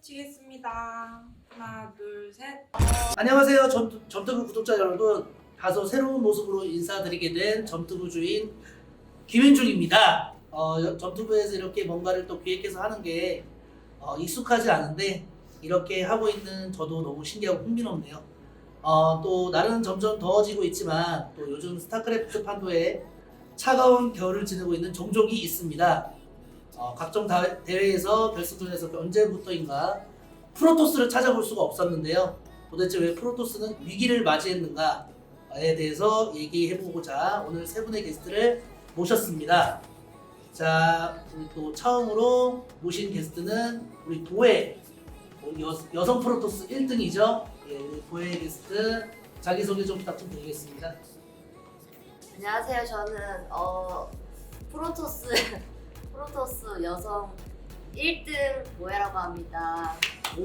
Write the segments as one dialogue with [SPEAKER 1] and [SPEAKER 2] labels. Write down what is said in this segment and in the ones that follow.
[SPEAKER 1] 치겠습니다. 하나, 둘, 셋.
[SPEAKER 2] 안녕하세요 점투부 구독자 여러분, 다소 새로운 모습으로 인사드리게 된 점투부 주인 김윤중입니다. 점투부에서 이렇게 뭔가를 또 기획해서 하는 게 익숙하지 않은데 이렇게 하고 있는 저도 너무 신기하고 흥미롭네요. 또 날은 점점 더워지고 있지만 또 요즘 스타크래프트 판도에 차가운 겨울을 지내고 있는 종족이 있습니다. 각종 대회에서 결승전에서 언제부터인가 프로토스를 찾아볼 수가 없었는데요. 도대체 왜 프로토스는 위기를 맞이했는가에 대해서 얘기해보고자 오늘 세 분의 게스트를 모셨습니다. 자, 우리 또 처음으로 모신 게스트는 우리 도혜, 여성 프로토스 1등이죠. 예, 도혜 게스트 자기소개 좀 부탁드리겠습니다.
[SPEAKER 3] 안녕하세요. 저는 프로토스 여성 1등 모해라고 합니다.
[SPEAKER 2] 오.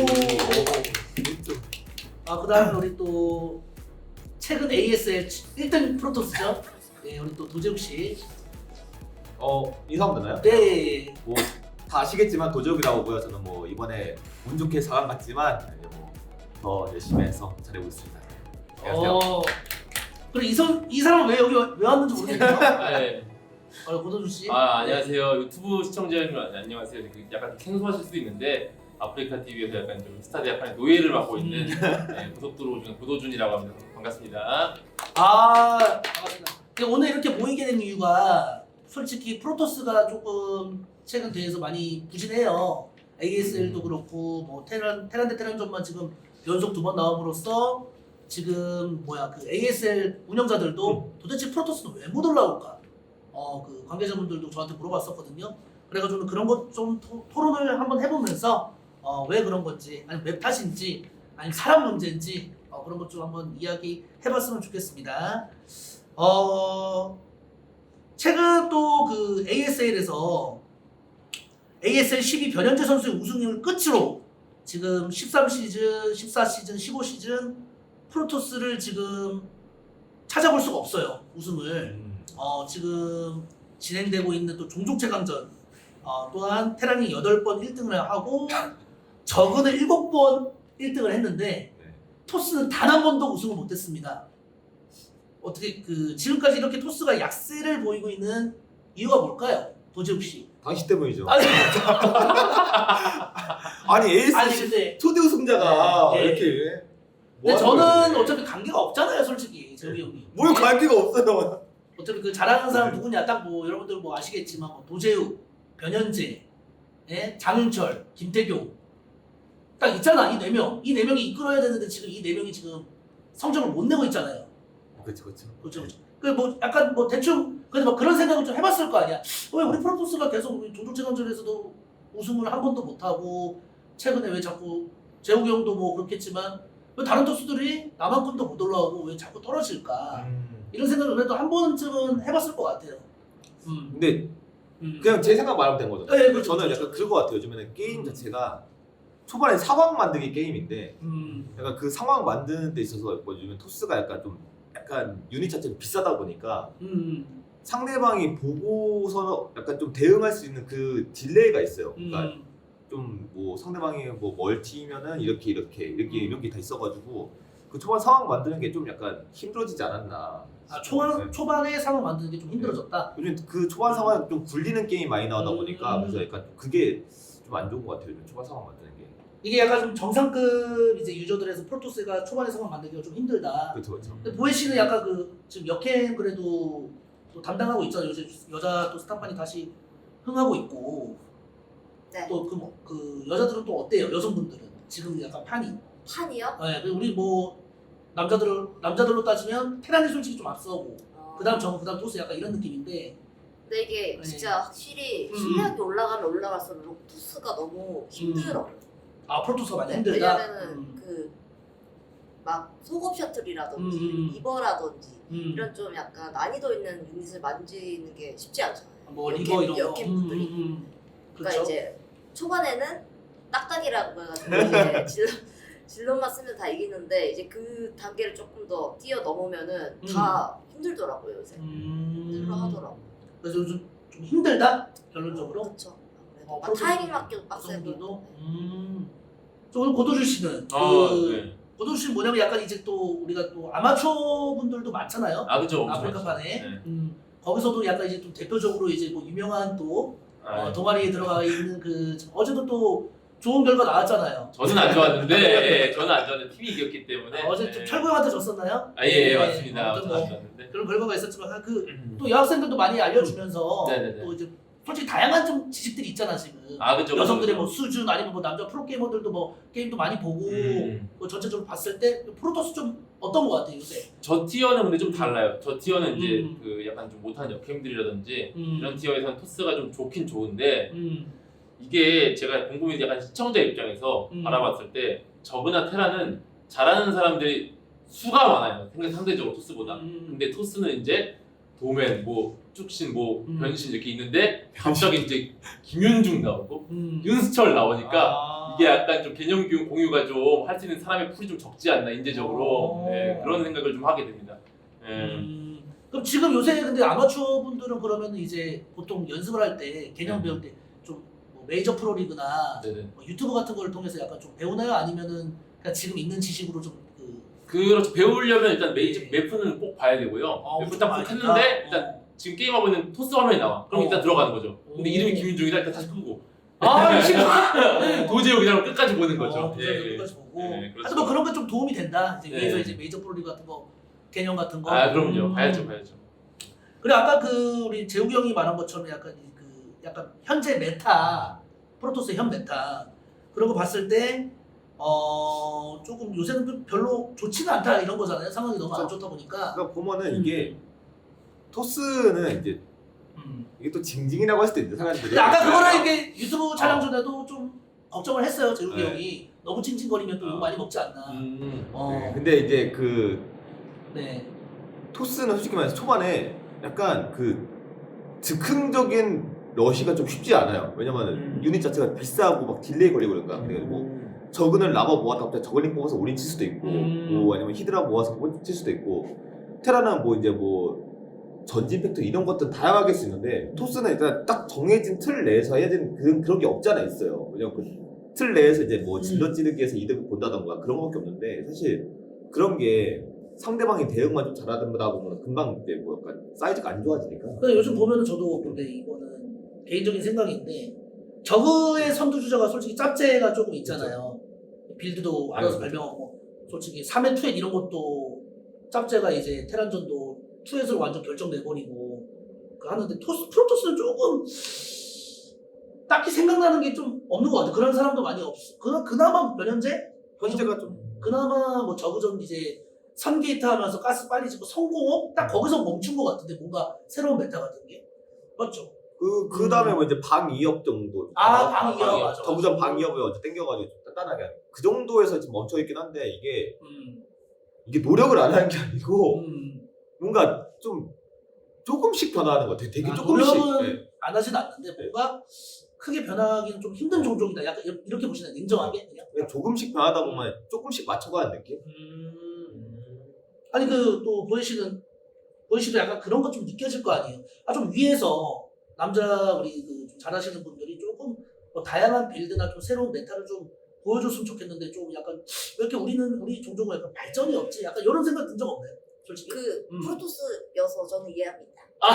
[SPEAKER 2] 그다음에 우리 또 최근 ASL 1등 프로토스죠. 네, 우리 또 도재욱 씨.
[SPEAKER 4] 인사하면 되나요?
[SPEAKER 2] 네.
[SPEAKER 4] 뭐 다 아시겠지만 도적이라고 하고요. 저는 뭐 이번에 운 좋게 4강 갔지만 이제 더 열심히 해서 잘하고 있습니다. 안녕하세요.
[SPEAKER 2] 그리고 이 사람은 왜 여기 왜 왔는지 모르겠네요.
[SPEAKER 5] 네.
[SPEAKER 2] 고도준 씨.
[SPEAKER 5] 안녕하세요. 유튜브 시청자 여러분 안녕하세요. 약간 생소하실 수도 있는데 아프리카 TV에서 약간 좀 스타드 약간 노예를 맡고 있는 고속 들어오는 고도준이라고 합니다. 반갑습니다.
[SPEAKER 2] 반갑습니다. 근데 오늘 이렇게 모이게 된 이유가 솔직히 프로토스가 조금 최근 대회에서 많이 부진해요. ASL도 그렇고 뭐 테란 대 테란전만 지금 연속 2번 나옴으로써 지금 그 ASL 운영자들도 도대체 프로토스는 왜 못 올라올까? 그 관계자분들도 저한테 물어봤었거든요. 그래가지고 그런 것 좀 토론을 한번 해보면서 왜 그런 건지, 아니면 맵 탓인지, 아니면 사람 문제인지 그런 것 좀 한번 이야기 해봤으면 좋겠습니다. 최근 또 그 ASL에서 ASL 12 변현재 선수의 우승을 끝으로 지금 13시즌, 14시즌, 15시즌 프로토스를 지금 찾아볼 수가 없어요. 우승을. 지금 진행되고 있는 또 종족 최강전 또한 테란이 8번 1등을 하고 저그는 7번 1등을 했는데 토스는 단 한 번도 우승을 못했습니다. 어떻게 지금까지 이렇게 토스가 약세를 보이고 있는 이유가 뭘까요? 도재욱 씨.
[SPEAKER 4] 당신 때문이죠.
[SPEAKER 2] 아니,
[SPEAKER 4] 아니 에이스
[SPEAKER 2] 아니 근데
[SPEAKER 4] 초대 우승자가
[SPEAKER 2] 네,
[SPEAKER 4] 이렇게.
[SPEAKER 2] 근데
[SPEAKER 4] 뭐
[SPEAKER 2] 저는
[SPEAKER 4] 하는 거예요?
[SPEAKER 2] 어차피 관계가 없잖아요, 솔직히 재욱이 형이.
[SPEAKER 4] 뭘 관계가 없어요.
[SPEAKER 2] 어차피 그 잘하는 사람 누구냐 딱 뭐 여러분들 뭐 아시겠지만 도재욱, 변현재, 장윤철, 김태경 딱 있잖아. 이 4명. 이 4명이 이끌어야 되는데 지금 이 4명이 지금 성적을 못 내고 있잖아요.
[SPEAKER 4] 그렇죠.
[SPEAKER 2] 그렇죠. 그 약간 대충 근데 그런 생각을 좀 해봤을 거 아니야. 왜 우리 프로토스가 계속 우리 종족체전전에서도 우승을 한 번도 못 하고 최근에 왜 자꾸 재욱이 형도 뭐 그렇겠지만 왜 다른 토스들이 나만큼도 못 올라오고 왜 자꾸 떨어질까? 이런 생각을 그래도 한 번쯤은 해봤을 것 같아요.
[SPEAKER 4] 근데 그냥 제 생각 말하면 된 거죠.
[SPEAKER 2] 네, 그렇죠,
[SPEAKER 4] 저는
[SPEAKER 2] 그렇죠.
[SPEAKER 4] 약간 그거 같아요. 요즘에는 게임 자체가 초반에 상황 만들기 게임인데 약간 그 상황 만드는 데 있어서 뭐 요즘 토스가 약간 유닛 자체는 비싸다 보니까 상대방이 보고서 약간 좀 대응할 수 있는 그 딜레이가 있어요. 그러니까 좀 뭐 상대방이 뭐 멀티면은 이렇게 다 있어가지고 그 초반 상황 만드는 게 좀 약간 힘들어지지 않았나.
[SPEAKER 2] 초반에 상황 만드는 게 좀 힘들어졌다.
[SPEAKER 4] 요즘 그 초반 상황 좀 굴리는 게임 많이 나오다 보니까 그래서 약간 그게 좀 안 좋은 것 같아요. 요즘 초반 상황 만드는 게.
[SPEAKER 2] 이게 약간 좀 정상급 이제 유저들에서 프로토스가 초반에 상황 만들기가 좀 힘들다.
[SPEAKER 4] 그렇죠.
[SPEAKER 2] 근데 보혜 씨는 약간 지금 역행 그래도 또 담당하고 있잖아요. 요새 여자 또 스타판이 다시 흥하고 있고.
[SPEAKER 3] 네.
[SPEAKER 2] 또 그 여자들은 또 어때요? 여성분들은 지금 약간 판이.
[SPEAKER 3] 판이요?
[SPEAKER 2] 네, 우리 뭐 남자들로 따지면 테란이 솔직히 좀 앞서고 그다음 토스 약간 이런 느낌인데.
[SPEAKER 3] 근데 이게 진짜 확실히 실력이 올라가면 올라갈수록 토스가 너무 힘들어.
[SPEAKER 2] 프로토스가 많이 힘들다.
[SPEAKER 3] 왜냐면은 막 속업 셔틀이라든지 리버라든지 이런 좀 약간 난이도 있는 유닛을 만지는 게 쉽지 않잖아요.
[SPEAKER 2] 뭐 리버 이런 거.
[SPEAKER 3] 역캠들이. 그러니까
[SPEAKER 2] 그렇죠.
[SPEAKER 3] 이제 초반에는 딱딱이라고 해가지고 이제 질럿만 쓰면 다 이기는데 이제 그 단계를 조금 더 뛰어넘으면은 다 힘들더라고요 요새. 힘들어 하더라고.
[SPEAKER 2] 그래서 요즘 좀 힘들다 결론적으로.
[SPEAKER 3] 그렇죠. 타이밍 맞기도 빡세고.
[SPEAKER 2] 선수들도. 저 오늘 고도준 씨는
[SPEAKER 5] 네.
[SPEAKER 2] 고도준 씨는 뭐냐면 약간 이제 또 우리가 또 아마추어 분들도 많잖아요.
[SPEAKER 5] 그죠.
[SPEAKER 2] 아프리카판에.
[SPEAKER 5] 네.
[SPEAKER 2] 거기서도 약간 이제 좀 대표적으로 이제 뭐 유명한 또 동아리에 들어가 있는 그 어제도 또 좋은 결과 나왔잖아요.
[SPEAKER 5] 저는 안 좋았는데, 저는 안 좋았는데 팀이 이겼기 때문에.
[SPEAKER 2] 어제 좀 철구 형한테 졌었나요?
[SPEAKER 5] 예, 맞습니다.
[SPEAKER 2] 아무튼
[SPEAKER 5] 저는 안
[SPEAKER 2] 뭐
[SPEAKER 5] 좋았는데.
[SPEAKER 2] 그런 결과가 있었지만 그 또 여학생들도 많이 알려주면서
[SPEAKER 5] 네네네.
[SPEAKER 2] 또 이제 솔직히 다양한 좀 지식들이 있잖아 지금.
[SPEAKER 5] 그죠.
[SPEAKER 2] 여성들의 뭐 수준 아니면 뭐 남자 프로게이머들도 뭐 게임도 많이 보고 뭐 전체적으로 봤을 때 프로토스 좀 어떤 거 같아요 요새?
[SPEAKER 5] 저 티어는 근데 좀 달라요. 저 티어는 이제 그 약간 좀 못하는 역캠들이라든지 이런 티어에서는 토스가 좀 좋긴 좋은데 이게 제가 궁금해 약간 시청자 입장에서 바라봤을 때 저그나 테라는 잘하는 사람들이 수가 많아요. 상대적으로 토스보다. 근데 토스는 이제 도맨, 뭐 쭉신, 뭐 변신 이렇게 있는데 갑자기 이제 김윤중 나오고 윤수철 나오니까 이게 약간 좀 개념 공유가 좀 할 수 있는 사람의 풀이 좀 적지 않나 인재적으로 네, 그런 생각을 좀 하게 됩니다.
[SPEAKER 2] 그럼 지금 요새 근데 아마추어 분들은 그러면 이제 보통 연습을 할 때 개념 배울 때 좀 뭐 메이저 프로리그나 뭐 유튜브 같은 걸 통해서 약간 좀 배우나요? 아니면은 그냥 지금 있는 지식으로 좀
[SPEAKER 5] 그렇죠. 배우려면 일단 매프는 꼭 봐야 되고요. 매프 딱 했는데 일단 지금 게임하고 있는 토스 화면이 나와. 그럼 일단 들어가는 거죠. 근데 이름이 김윤중이다 일단 다시 끄고. 도저히 그냥 끝까지 보는 거죠.
[SPEAKER 2] 끝까지 보고.
[SPEAKER 5] 그렇죠.
[SPEAKER 2] 하여튼 뭐 그런 게 좀 도움이 된다. 이제 위에서
[SPEAKER 5] 네.
[SPEAKER 2] 이제 메이저 프로리그 같은 거 개념 같은 거.
[SPEAKER 5] 그럼요. 봐야죠.
[SPEAKER 2] 그리고 아까 그 우리 재욱이 형이 말한 것처럼 약간 약간 현재 메타 프로토스의 현 메타 그런 거 봤을 때 조금 요새는 좀 별로 좋지는 않다 이런 거잖아요. 상황이 너무 안 좋다 보니까.
[SPEAKER 4] 그러니까 보면은 이게 토스는 이제 이게 또 징징이라고 할 수도 있는데 사람들이.
[SPEAKER 2] 근데 아까 그거를 이게 유튜브 촬영 전에도 좀 걱정을 했어요. 재욱이
[SPEAKER 4] 네.
[SPEAKER 2] 형이 너무 찡찡거리면 또 욕 많이 먹지 않나.
[SPEAKER 4] 네, 근데 이제 그
[SPEAKER 2] 네.
[SPEAKER 4] 토스는 솔직히 말해서 초반에 약간 그 즉흥적인 러시가 좀 쉽지 않아요. 왜냐면 유닛 자체가 비싸고 막 딜레이 걸리고 그러니까. 그래가지고 저그는 라바 모아서 갑자기 저글링 뽑아서 올인 칠 수도 있고, 뭐 아니면 히드라 모아서 칠 수도 있고, 테라는 뭐 이제 뭐 전진 팩터 이런 것들 다양하게 할 수 있는데 토스는 일단 딱 정해진 틀 내에서 해야 되는 그런 게 없지 않아 있어요. 왜냐면 그 틀 내에서 이제 뭐 질러 찌르기에서 이득을 본다던가 그런 것밖에 없는데 사실 그런 게 상대방이 대응만 좀 잘하다 보면 금방 이제 뭐 약간 사이즈가 안 좋아지니까.
[SPEAKER 2] 근데 요즘 보면은 저도 근데 이거는 개인적인 생각인데 저그의 선두주자가 솔직히 짭제가 조금 있잖아요. 빌드도 알아서 발명하고 솔직히 3회 투엣 이런 것도 짭제가 이제 테란전도 투엣으로 완전 결정내버리고 하는데 프로토스는 조금 딱히 생각나는 게 좀 없는 것 같아. 그런 사람도 많이 없어. 그나마 변현재?
[SPEAKER 4] 현재가 좀
[SPEAKER 2] 그나마 뭐 저그전 이제 선게이트 하면서 가스 빨리 짓고 성공업 딱 거기서 멈춘 것 같은데 뭔가 새로운 메타 같은 게 맞죠?
[SPEAKER 4] 그 다음에 뭐 이제 방 2업 정도.
[SPEAKER 2] 방 2업 맞아.
[SPEAKER 4] 저그전 방 2업을 어제 땡겨가지고 좀 단단하게 하는. 그 정도에서 지금 멈춰 있긴 한데 이게 노력을 안 하는 게 아니고 뭔가 좀 조금씩 변화하는 것 같아. 되게 조금씩.
[SPEAKER 2] 노력은
[SPEAKER 4] 네.
[SPEAKER 2] 안 하진 않는데 뭔가 크게 변하기는 좀 힘든 종족이다. 약간 이렇게 보시나요? 냉정하게 그냥?
[SPEAKER 4] 그냥 조금씩 변하다 보면 조금씩 맞춰가는 느낌?
[SPEAKER 2] 아니 그 또 보현 씨도 약간 그런 것 좀 느껴질 거 아니에요? 좀 위에서 남자 우리 그 좀 잘하시는 분들이 조금 뭐 다양한 빌드나 좀 새로운 메타를 좀 보여줬으면 좋겠는데 좀 약간 왜 이렇게 우리 종족은 약간 발전이 없지? 약간 이런 생각 든 적 없나요? 솔직히?
[SPEAKER 3] 프로토스여서 저는 이해합니다.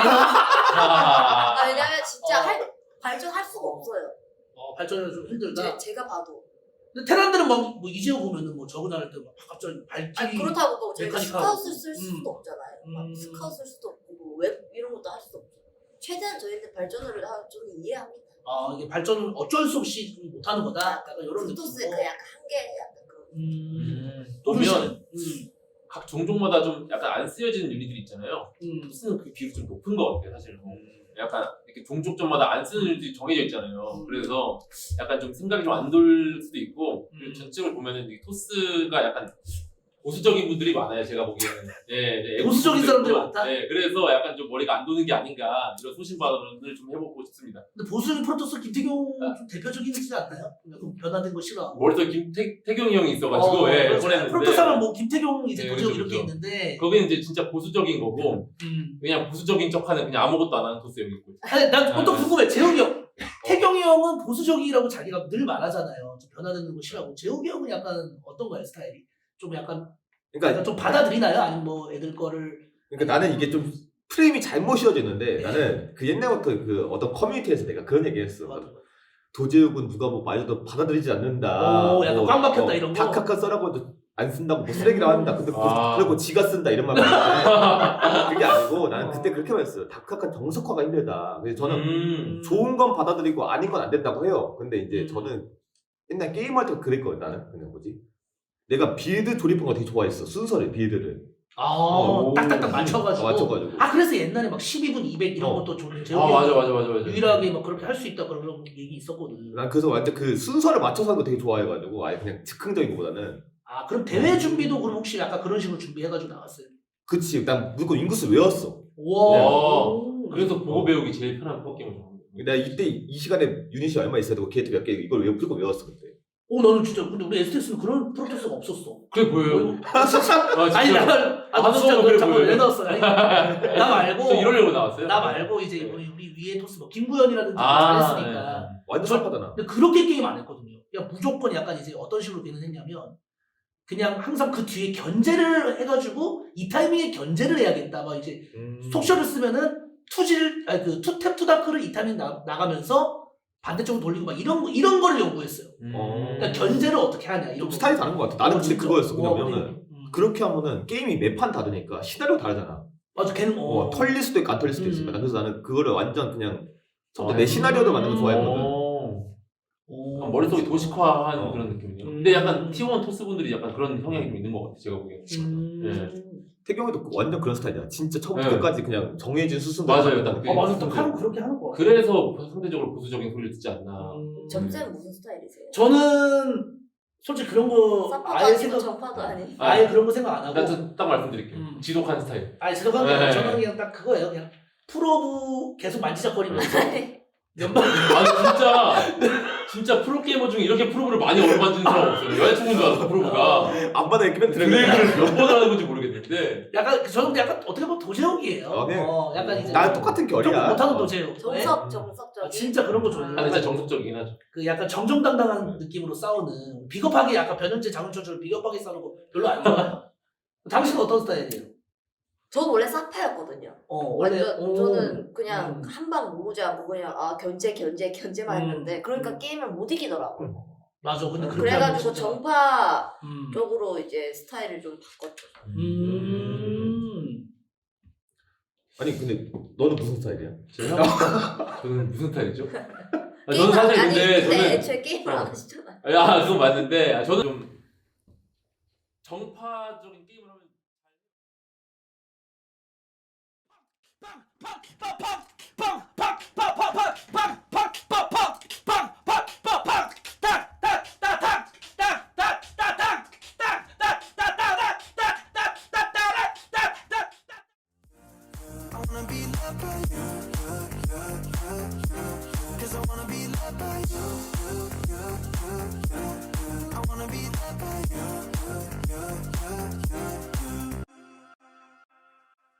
[SPEAKER 2] 아,
[SPEAKER 3] 왜냐면 진짜 발전할 수가 없어요.
[SPEAKER 2] 발전이 좀 힘들다.
[SPEAKER 3] 제가 봐도.
[SPEAKER 2] 근데 테란들은 뭐 이제요 보면은 뭐 저그 나를 때막 갑자기 발길이
[SPEAKER 3] 그렇다고 또 저희가
[SPEAKER 2] 메카닉하고.
[SPEAKER 3] 스카웃을 쓸 수도 없잖아요. 막 스카웃 쓸 수도 없고 뭐 웹 이런 것도 할 수도 없고. 최대한 저희는 발전을 저는 이해합니다.
[SPEAKER 2] 이게 발전을 어쩔 수 없이 좀 못하는 거다. 약간 이런
[SPEAKER 3] 프로토스의
[SPEAKER 2] 느낌으로.
[SPEAKER 3] 그 약간 한계 약간 그.
[SPEAKER 5] 보면 각 종족마다 좀 약간 안 쓰여지는 유닛들이 있잖아요. 토스는 그 비율이 좀 높은 것 같아요, 사실. 약간 이렇게 종족전마다 안 쓰는 유닛이 정해져 있잖아요. 그래서 약간 좀 생각이 좀 안 돌 수도 있고 그리고 전체적으로 보면은 이 토스가 약간 보수적인 분들이 많아요, 제가 보기에는. 네,
[SPEAKER 2] 보수적인 사람들이 많다?
[SPEAKER 5] 네, 그래서 약간 좀 머리가 안 도는 게 아닌가 이런 소신 발언을 좀 해보고 싶습니다.
[SPEAKER 2] 근데 보수적인 프로토스 김태경 좀 대표적이지 않나요? 좀 변화된 거 싫어.
[SPEAKER 5] 머릿속에 태경이 형이 있어가지고 보냈는데
[SPEAKER 2] 프로토스 하면 뭐 김태경 이제
[SPEAKER 5] 네,
[SPEAKER 2] 도적
[SPEAKER 5] 그렇죠,
[SPEAKER 2] 이렇게
[SPEAKER 5] 그렇죠.
[SPEAKER 2] 있는데.
[SPEAKER 5] 거기는 이제 진짜 보수적인 거고 그냥 보수적인 척하는 그냥 아무것도 안 하는 토스 형이 있고.
[SPEAKER 2] 아니 난 또 궁금해. 재욱이 형. 태경이 형은 보수적이라고 자기가 늘 말하잖아요. 좀 변화되는 거 싫어하고. 재욱이 형은 약간 어떤가요 스타일이? 좀 약간
[SPEAKER 4] 그러니까
[SPEAKER 2] 좀 받아들이나요? 아니면 뭐 애들 거를
[SPEAKER 4] 나는 이게 좀 프레임이 잘못 씌워졌는데
[SPEAKER 2] 네.
[SPEAKER 4] 나는 그 옛날부터 그 어떤 커뮤니티에서 내가 그런 얘기했어.
[SPEAKER 2] 맞아.
[SPEAKER 4] 도제욱은 누가 뭐 말해도 받아들이지 않는다.
[SPEAKER 2] 오, 약간 꽉 막혔다 이런 거.
[SPEAKER 4] 다카카 써라고도 안 쓴다고 뭐 쓰레기라고 한다. 근데
[SPEAKER 5] 아.
[SPEAKER 4] 그리고 지가 쓴다 이런 말 많은데 그게 아니고 나는 그때 그렇게 말했어요. 다카카 정석화가 힘들다. 그래서 저는 좋은 건 받아들이고 아닌 건 안 된다고 해요. 근데 이제 저는 옛날 게임할 때 그랬거든. 나는 그냥 뭐지? 내가 빌드 조립한 거 되게 좋아했어. 순서를 빌드를
[SPEAKER 2] 아, 딱딱딱 맞춰가지고.
[SPEAKER 4] 맞춰가지고.
[SPEAKER 2] 아 그래서 옛날에 막 12분 200 이런 것도 좀 재욱이
[SPEAKER 5] 아 맞아
[SPEAKER 2] 형이
[SPEAKER 5] 맞아 맞아.
[SPEAKER 2] 유일하게 막 그렇게 할 수 있다 그런 얘기 있었거든.
[SPEAKER 4] 난 그래서 완전 그 순서를 맞춰서 하는 거 되게 좋아해가지고 아예 그냥 즉흥적인 거보다는
[SPEAKER 2] 아 그럼 대회 준비도 그럼 혹시 약간 그런 식으로 준비해가지고 나왔어요?
[SPEAKER 4] 그치 난 무조건 인구수 외웠어.
[SPEAKER 2] 와.
[SPEAKER 5] 그래서 보고 배우기 제일 편한 프로게임을 좋아합니다.
[SPEAKER 4] 내가 이때 이 시간에 유닛이 얼마 있어야 되고 게이트 몇 개 이걸 무조건 외웠어 그때.
[SPEAKER 2] 나는 진짜 근데 우리 STX는 그런 프로토스가 없었어.
[SPEAKER 5] 그게 보여요.
[SPEAKER 2] 아, 아니
[SPEAKER 5] 진짜.
[SPEAKER 2] 나는
[SPEAKER 5] 하는
[SPEAKER 2] 진짜
[SPEAKER 5] 거는
[SPEAKER 2] 그
[SPEAKER 5] 그래
[SPEAKER 2] 잠깐 왜
[SPEAKER 5] 보여요.
[SPEAKER 2] 넣었어? 아니, 나 말고
[SPEAKER 5] 저 이러려고 나왔어요.
[SPEAKER 2] 나 말고 이제 우리 위에 토스 뭐 김구현이라든지
[SPEAKER 5] 아,
[SPEAKER 2] 잘했으니까.
[SPEAKER 4] 완전 슬퍼잖아.
[SPEAKER 2] 근데 그렇게 게임 안 했거든요. 그냥 무조건 약간 이제 어떤 식으로 게임을 했냐면 그냥 항상 그 뒤에 견제를 해가지고 이 타이밍에 견제를 해야겠다. 막 이제 속셔를 쓰면은 투탭 투다크를 이 타이밍 나가면서 반대쪽으로 돌리고 막 이런 거를 연구했어요. 그러니까 견제를 어떻게 하냐 이런
[SPEAKER 4] 좀
[SPEAKER 2] 거.
[SPEAKER 4] 스타일이 다른 것 같아. 나는 근데
[SPEAKER 2] 진짜.
[SPEAKER 4] 그거였어.
[SPEAKER 2] 와,
[SPEAKER 4] 왜냐면은 그렇게 하면은 게임이 매판 다르니까 시나리오 다르잖아.
[SPEAKER 2] 맞아 걔는
[SPEAKER 4] 털릴 수도 있고 안 털릴 수도 있으니까. 그래서 나는 그거를 완전 그냥 내 시나리오를 만드는 거 좋아했거든.
[SPEAKER 5] 머릿속에 도식화한 그런 느낌이에요. 근데 약간
[SPEAKER 2] 음.
[SPEAKER 5] T1 토스 분들이 약간 그런 성향이 좀 있는 것 같아요. 제가 보기에는.
[SPEAKER 4] 태경이도 완전 그런 스타일이야. 진짜 처음부터
[SPEAKER 5] 네.
[SPEAKER 4] 끝까지 그냥 정해진 수순.
[SPEAKER 5] 맞아요. 딱
[SPEAKER 2] 맞아 딱 하는 그렇게 하는 거 같아.
[SPEAKER 5] 그래서 상대적으로 보수적인 소리를 듣지 않나.
[SPEAKER 3] 점쌤 무슨 스타일이세요?
[SPEAKER 2] 저는 솔직히 그런 거
[SPEAKER 3] 사파도
[SPEAKER 2] 아예
[SPEAKER 3] 아니고
[SPEAKER 2] 생각
[SPEAKER 3] 정파도 아니.
[SPEAKER 2] 아예 그런 거 생각 안 하고
[SPEAKER 5] 일단 딱 말씀드릴게요. 지독한 스타일.
[SPEAKER 2] 아니 생각한 게
[SPEAKER 5] 네.
[SPEAKER 2] 아니라 저는 그냥 딱 그거예요. 그냥 프로브 계속 만지작거리면서 연방
[SPEAKER 5] 아니 진짜 프로게이머 중에 이렇게 프로브를 많이 얻어만지는 사람 없어요. 여자친구인 줄 알았어 프로브가.
[SPEAKER 4] 안 받아 이렇게
[SPEAKER 5] 드래그를 몇 번 하는 건지 모르겠는데.
[SPEAKER 2] 약간 저는 근데 약간 어떻게 보면 도제욱이에요.
[SPEAKER 4] 네.
[SPEAKER 2] 약간 이제
[SPEAKER 4] 나랑 똑같은
[SPEAKER 2] 조금
[SPEAKER 4] 결이야.
[SPEAKER 2] 못하는 도제욱. 네?
[SPEAKER 3] 정석적인.
[SPEAKER 2] 아, 진짜 그런 거 좋아해요.
[SPEAKER 5] 아 진짜 정석적이긴 하죠.
[SPEAKER 2] 그 약간 정정당당한 느낌으로 싸우는 비겁하게 약간 변현재 장윤철처럼 비겁하게 싸우는 거 별로 안 좋아해요. 당신은 어떤 스타일이에요?
[SPEAKER 3] 저는 원래 사파였거든요.
[SPEAKER 2] 원래
[SPEAKER 3] 저는 그냥
[SPEAKER 2] 음.
[SPEAKER 3] 한방 모으지 않고 그냥 견제만 했는데 그러니까 게임을 못 이기더라고요.
[SPEAKER 2] 맞아. 근데 그렇게
[SPEAKER 3] 그래가지고
[SPEAKER 2] 하면 진짜-
[SPEAKER 3] 정파
[SPEAKER 2] 음.
[SPEAKER 3] 쪽으로 이제 스타일을 좀 바꿨죠.
[SPEAKER 4] 아니 근데 너는 무슨 스타일이야?
[SPEAKER 5] 저는 무슨 스타일이죠?
[SPEAKER 3] 게임을
[SPEAKER 5] 저는 사실
[SPEAKER 3] 아니,
[SPEAKER 5] 근데 저는
[SPEAKER 3] 애초에 게임을 안 하시잖아요.
[SPEAKER 5] 그건 맞는데 저는 좀 정파적인 게임을 하면
[SPEAKER 6] I wanna be loved by you.